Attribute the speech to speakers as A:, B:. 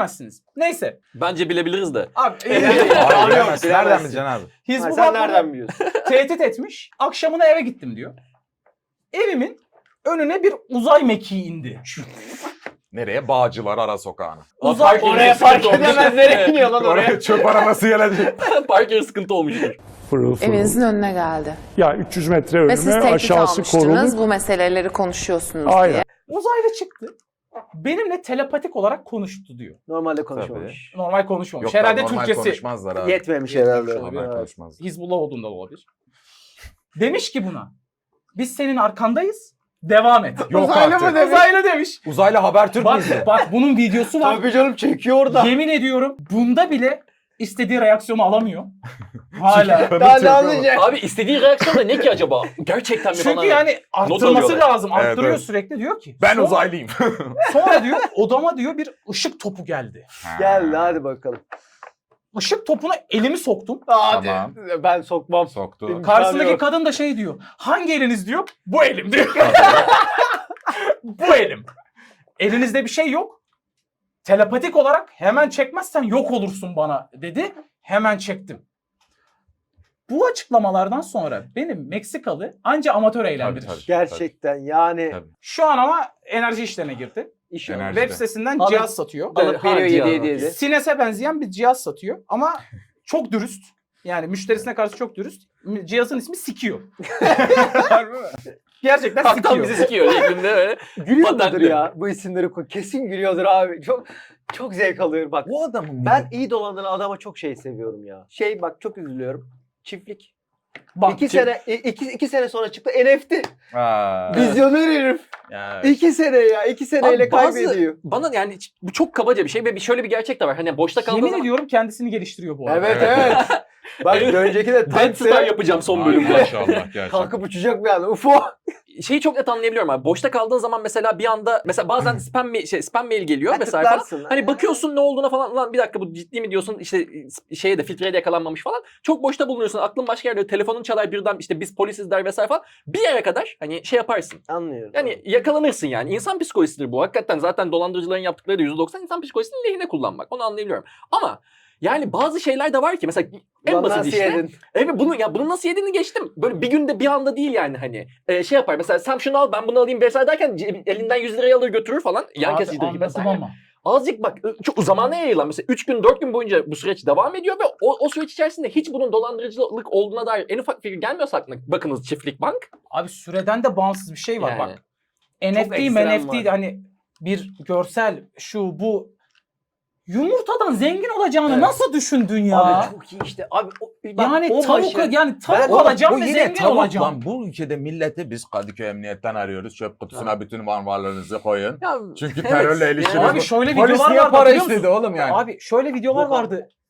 A: bilemezsiniz. Neyse.
B: Bence bilebiliriz de.
A: Abi
C: Abi bilemezsin. Nereden
D: bilemezsin.
C: bileceksin abi?
A: Hizbullah
D: Sen
A: bunu
D: nereden biliyorsun?
A: tehdit etmiş. Akşamına eve gittim diyor. Evimin önüne bir uzay mekiği indi.
C: Nereye? Bağcılar ara sokağına.
A: Uzay
D: Oraya fark edemez nereye iniyor lan oraya.
C: Oraya çöp arabası gelecek.
B: Park yeri sıkıntı olmuştur.
E: Fırıl fırıl.
F: Evinizin önüne geldi.
E: Ya 300 metre
F: Ve siz
E: önüme
F: tehdit
E: aşağısı
F: almıştınız.
E: korulu.
F: Bu meseleleri konuşuyorsunuz
E: Aynen.
F: diye.
A: Uzaylı çıktı. Benimle telepatik olarak konuştu diyor.
D: Normalde konuşmamış.
A: Normal konuşmamış.
C: Yok
A: Herhalde
C: normal
A: Türkçesi
C: konuşmazlar abi.
D: Yetmemiş herhalde.
C: Normal konuşmazlar.
A: Hizbullah olduğunda olabilir. Demiş ki buna. Biz senin arkandayız. Devam et.
C: Yok
D: Uzaylı
C: artık.
D: mı demiş?
A: Uzaylı demiş.
C: Uzaylı Habertürk
A: Bak,
C: müydü?
A: bak bunun videosu var.
D: Tabii canım çekiyor orada.
A: Yemin ediyorum bunda bile istediği reaksiyonu alamıyor. Hala.
D: Daha ne anlayacak?
B: Abi istediği reaksiyon da ne ki acaba? Gerçekten mi
A: Çünkü
B: falan?
A: yani arttırması
B: alıyorlar.
A: lazım.
C: Evet,
A: Arttırıyor
C: evet.
A: sürekli diyor ki.
C: Ben
A: sonra-
C: uzaylıyım.
A: Sonra diyor odama diyor bir ışık topu geldi.
D: Geldi hadi bakalım.
A: Işık topuna elimi soktum.
D: Hadi.
C: Tamam.
D: Ben sokmam.
C: Soktu.
A: Karşısındaki
D: yok.
A: kadın da şey diyor. Hangi eliniz diyor? Bu elim diyor. Bu elim. Elinizde bir şey yok. Telepatik olarak hemen çekmezsen yok olursun bana dedi. Hemen çektim. Bu açıklamalardan sonra benim Meksikalı anca amatör eğlendirir.
C: Tabii.
D: Gerçekten yani
C: Tabii.
A: Şu an ama enerji işlerine girdi.
D: iş
C: Enerji.
A: Web sitesinden
D: Alıp-
A: cihaz satıyor.
D: alıp veriyor
B: Harcı
D: 7
B: ya.
D: 7
A: Sines'e benzeyen bir cihaz satıyor ama çok dürüst. Yani müşterisine karşı çok dürüst. Cihazın ismi Sikiyor. Gerçekten
B: Haktan
A: Sikiyor.
B: bizi sikiyor. Elimde öyle.
D: Gülüyor mudur
B: Patentli.
D: ya bu isimleri kesin gülüyordur abi. Çok zevk alıyorum bak.
C: Bu adamın
D: Ben iyi dolandıran adama çok şey seviyorum ya. Bak çok üzülüyorum. Çiftlik.
A: Bak,
D: 2 sene sonra çıktı NFT.
C: Ha.
D: Vizyoner herif.
C: Ya,
D: 2 sene ya. 2 seneyle
B: Abi bazı-
D: kaybediyor.
B: Bana yani bu çok kabaca bir şey ve şöyle bir gerçek de var. Hani boşta kaldığı
A: Yemin
B: zaman
A: ediyorum kendisini geliştiriyor bu arada.
D: Evet
C: Evet.
D: evet. Bak bir önceki de
B: Dead Star
D: Ted'de
B: yapacağım son
C: Ay,
B: bölümde.
C: maşallah gerçekten.
D: kalkıp uçacak bir anda. UFO.
B: Şeyi çok net anlayabiliyorum abi. Boşta kaldığın zaman mesela bir anda mesela bazen spam mail geliyor mesela falan.
D: Tıklarsın.
B: Hani bakıyorsun ne olduğuna falan lan bir dakika bu ciddi mi diyorsun işte şeye de filtreye de yakalanmamış falan. Çok boşta bulunuyorsun. Aklın başka yerde telefonun çalar birden işte biz polisiz der vesaire falan. Bir yere kadar hani şey yaparsın.
D: Anlıyorum.
B: Yani yakalanırsın yani. İnsan psikolojisidir bu. Hakikaten zaten dolandırıcıların yaptıkları da %90 insan psikolojisinin lehine kullanmak. Onu anlayabiliyorum. Ama yani bazı şeyler de var ki mesela en
D: Ulan
B: basit
D: nasıl
B: işte.
D: yedin?
B: Evet bunu nasıl yediğini geçtim. Böyle bir günde bir anda değil yani hani. Şey yapar mesela sen şunu al ben bunu alayım vesaire derken elinden 100 lirayı alır götürür falan. Yan
A: Abi
B: kesicidir gibi
A: anladım
B: vesaire.
A: ama.
B: Azıcık bak çok zamana yayılan mesela 3 gün 4 gün boyunca bu süreç devam ediyor ve o süreç içerisinde hiç bunun dolandırıcılık olduğuna dair en ufak fikir gelmiyorsa aklına bakınız Çiftlik Bank.
A: Abi süreden de bağımsız bir şey var
B: Yani.
A: bak.
D: Çok
A: NFT,
D: ekstrem
A: NFT
D: var.
A: hani bir görsel şu bu yumurtadan zengin olacağını
D: Evet.
A: nasıl düşündün ya?
D: Abi çok iyi işte. Abi
A: yani tavuk
D: Ben-
A: tavuk
C: Oğlum,
A: alacağım
C: bu
A: ve
C: yine
A: zengin
C: tavuk
A: olacağım.
C: lan. Bu ülkede milleti biz Kadıköy Emniyet'ten arıyoruz. Çöp kutusuna bütün varlarınızı koyun.
B: Ya,
C: Çünkü
B: evet.
C: terörle ilişkiniz
A: Abi
C: var.
A: şöyle
C: Polis
A: videolar
C: niye
A: vardı
C: para
A: hatırlıyor
C: istedi
A: musun?
C: oğlum yani?
A: Abi şöyle videolar
D: Yok abi.
A: vardı.